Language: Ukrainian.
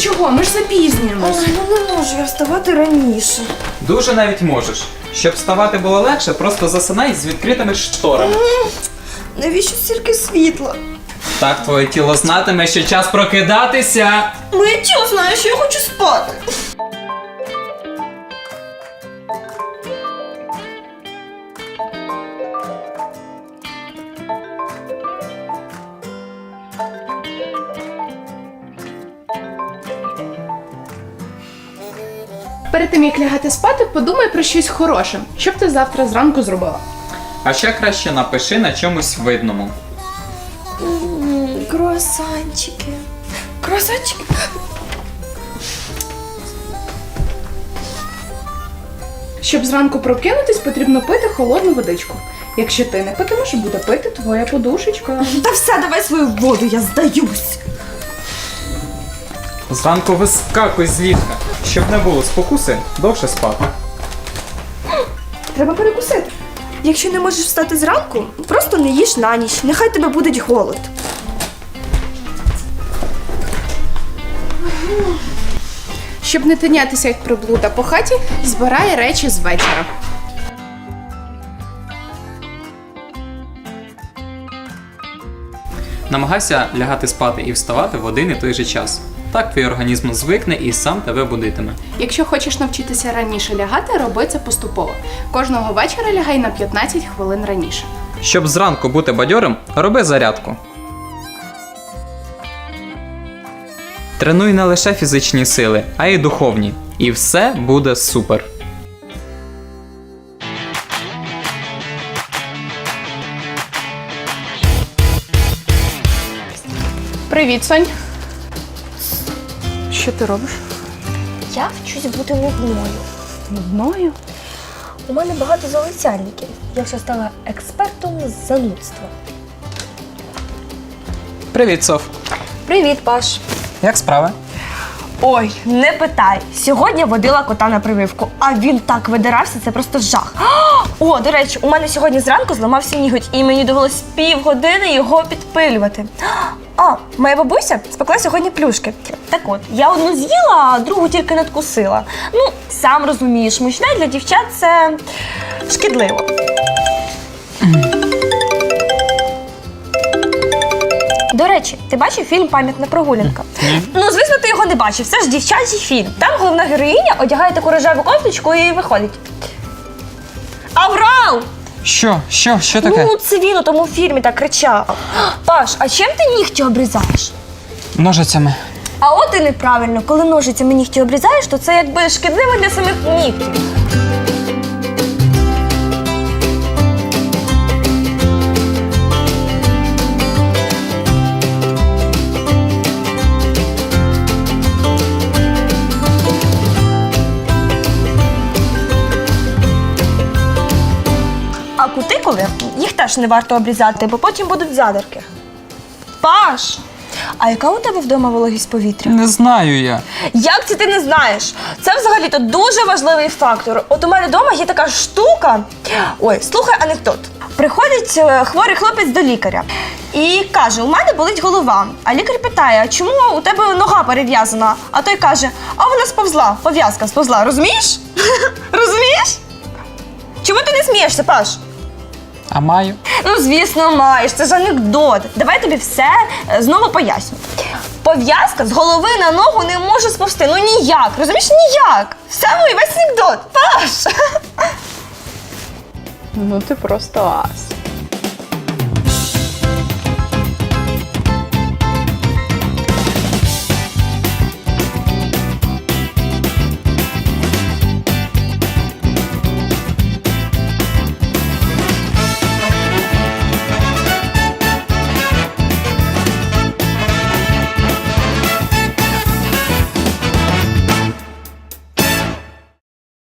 чого? Ми ж запізнюємось. Ой, ну не можу я вставати раніше. Дуже навіть можеш. Щоб вставати було легше, просто засинай з відкритими шторами. Навіщо стільки світла? Так твоє тіло знатиме, що час прокидатися. Моє тіло знає, що я хочу спати. Перед тим, як лягати спати, подумай про щось хороше. Що б ти завтра зранку зробила? А ще краще напиши на чомусь видному. Круасанчики. Круасанчики. Щоб зранку прокинутись, потрібно пити холодну водичку. Якщо ти не питимеш, буде пити твоя подушечка. Та все, давай свою воду, я здаюсь. Зранку вискакуй з ліжка. Щоб не було спокуси, довше спати. Треба перекусити. Якщо не можеш встати зранку, просто не їж на ніч. Нехай тебе буде голод. Щоб не тинятися як приблуда по хаті, збирай речі з вечора. Намагайся лягати спати і вставати в один і той же час. Так твій організм звикне і сам тебе будитиме. Якщо хочеш навчитися раніше лягати, роби це поступово. Кожного вечора лягай на 15 хвилин раніше. Щоб зранку бути бадьорим, роби зарядку. Тренуй не лише фізичні сили, а й духовні. І все буде супер. Привіт, Сонь. Що ти робиш? Я вчусь бути нудною. Нудною? У мене багато залицяльників. Я вже стала експертом з занудства. Привіт, Соф. Привіт, Паш. Як справи? Ой, не питай. Сьогодні водила кота на прививку, а він так видирався, це просто жах. О, до речі, у мене сьогодні зранку зламався ніготь, і мені довелось півгодини його підпилювати. А, моя бабуся спекла сьогодні плюшки. Так от, я одну з'їла, а другу тільки надкусила. Ну, сам розумієш, мучне для дівчат це шкідливо. До речі, ти бачив фільм «Пам'ятна прогулянка»? Ну, звісно, ти його не бачив. Це ж дівчачий фільм. Там головна героїня одягає таку рожеву кофточку і виходить. Аврал! Що Ну, це він у тому фільмі так кричав. Паш, а чим ти нігті обрізаєш? Ножицями. А от і неправильно. Коли ножицями нігті обрізаєш, то це якби шкідливо для самих нігтів. А кутикули, їх теж не варто обрізати, бо потім будуть задирки. Паш, а яка у тебе вдома вологість повітря? Не знаю я. Як це ти не знаєш? Це взагалі-то дуже важливий фактор. От у мене вдома є така штука. Ой, слухай анекдот. Приходить хворий хлопець до лікаря і каже, у мене болить голова. А лікар питає, а чому у тебе нога перев'язана? А той каже, а вона сповзла, пов'язка сповзла. Розумієш? Розумієш? Чому ти не смієшся, Паш? А маю? Ну, звісно, маєш. Це ж анекдот. Давай я тобі все знову поясню. Пов'язка з голови на ногу не може сповзти. Ну ніяк. Розумієш? Ніяк. Все, мій весь анекдот. Паш! Ну ти просто ас.